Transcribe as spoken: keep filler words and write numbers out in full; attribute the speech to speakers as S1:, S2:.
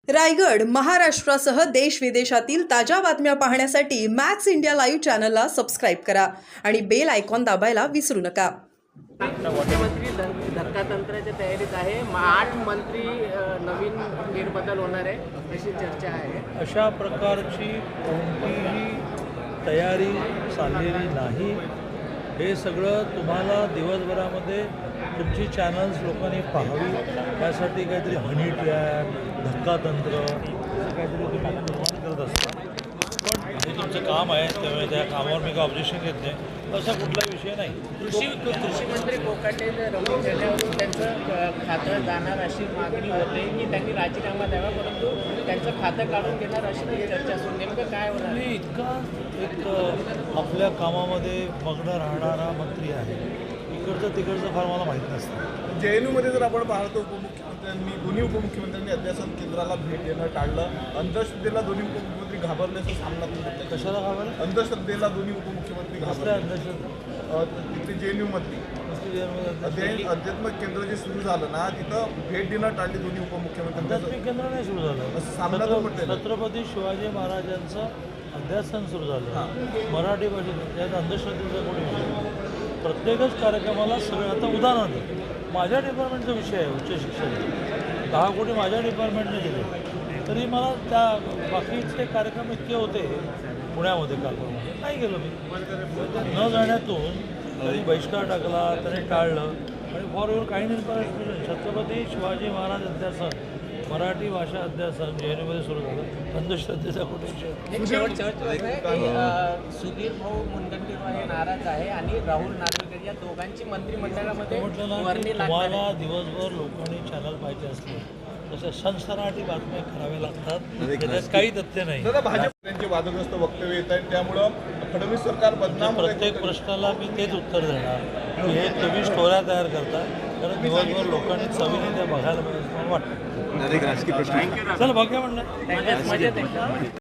S1: रायगड महाराष्ट्रासह देश विदेशातील ताज्या बातम्या पाहण्यासाठी मॅक्स इंडिया लाईव्ह चॅनलला सबस्क्राईब करा आणि बेल आयकॉन दाबायला विसरू नका.
S2: मुख्यमंत्री धक्कातंत्राच्या तयारीत आहे. आठ मंत्री अ, नवीन फेरबदल होणार आहे अशी चर्चा आहे.
S3: अशा प्रकारची कोणतीही तयारी चाललेली नाही. हे सगळं तुम्हाला दिवसभरामध्ये तुमची चॅनल्स लोकांनी पाहावी यासाठी काहीतरी हनी ट्रॅप धक्कातंत्र असं काहीतरी तुम्ही निर्माण करत असता. पण हे तुमचं काम आहे, त्यामुळे त्या कामावर मी काय ऑब्जेक्शन घेत नाही. असा कुठलाही विषय नाही.
S2: कृषी कृषी मंत्री कोकाटे रमेश चढ्यावरून त्यांचं अ, खातं जाणार अशी मागणी होते की त्यांनी राजीनामा द्यावा, परंतु त्यांचं खातं काढून घेणार अशी ती चर्चा असून नेमकं काय होणार?
S3: मी इतका एक अ, आपल्या कामामध्ये मग्न राहणारा मंत्री आहे. इकडचं तिकडचं फार मला माहीत नसतं.
S4: जे एन यूमध्ये जर आपण पाहतो, उपमुख्यमंत्र्यांनी दोन्ही उपमुख्यमंत्र्यांनी अध्यासन केंद्राला भेट देणं टाळलं. अंधश्रद्धेला दोन्ही उपमुख्यमंत्री घाबरल्याचं सामना करत.
S3: कशाला घाबरलं?
S4: अंधश्रद्धेला दोन्ही उपमुख्यमंत्री
S3: कसल्या
S4: घाबरले.
S3: अंधश्रद्धा?
S4: तिथे जे एन यूमधली
S3: कसली अंधश्रद्धा?
S4: अध्ययन अध्यात्मिक केंद्र जे सुरू झालं ना, तिथं भेट देणं टाळली दोन्ही उपमुख्यमंत्र्यांनी.
S3: आध्यात्मिक केंद्र नाही सुरू झालं.
S4: असं सामना तर म्हटलेलं.
S3: छत्रपती शिवाजी महाराजांचं अध्यासन सुरू झालं मराठी भाषेत. त्यात अंधश्रद्धेचा कोणी विषय? प्रत्येकच कार्यक्रमाला सगळं आता उदाहरण आहे. माझ्या डिपार्टमेंटचा विषय आहे उच्च शिक्षण. दहा कोटी माझ्या डिपार्टमेंटने दिले, तरी मला त्या बाकीचे कार्यक्रम इतके होते पुण्यामध्ये कार्यक्रमामध्ये नाही गेलो मी. न जाण्यातून तरी बहिष्कार टाकला, त्याने टाळलं. आणि for your kind information, Chhatrapati Shivaji Maharaj अध्यासन मराठी भाषा अध्यासन जे एन यूमध्ये सुरू झालं. अंधश्रद्धेचा कुठे विषय?
S2: एक शेवटचं आहे की अ, सुधीर भाऊ मुनगंटीवार हे नाराज आहे आणि राहुल नार्वेकर या दोघांची मंत्रिमंडळामध्ये
S3: म्हटलं ना की
S2: वर्णी लागणार
S3: तुम्हाला
S2: आहे.
S3: दिवसभर लोकांनी चॅनल पाहिजे असले तसे सनसनाटी बातम्या कराव्या लागतात. त्याच्यात काही तथ्य नाही.
S4: दादा, भाजपचे वादग्रस्त वक्तव्य येत आहेत, त्यामुळं फडणवीस सरकार बदनाम होत आहे.
S3: प्रत्येक प्रश्नाला मी तेच उत्तर देणार की हे तुम्ही स्टोऱ्या तयार करता, कारण दिवसभर लोकांनी चवीने त्या बघायला पाहिजे असं मला वाटतं.
S5: राजकीय प्रश्न
S3: चला बघूया म्हणलं.
S2: मजेत मजेत आहे.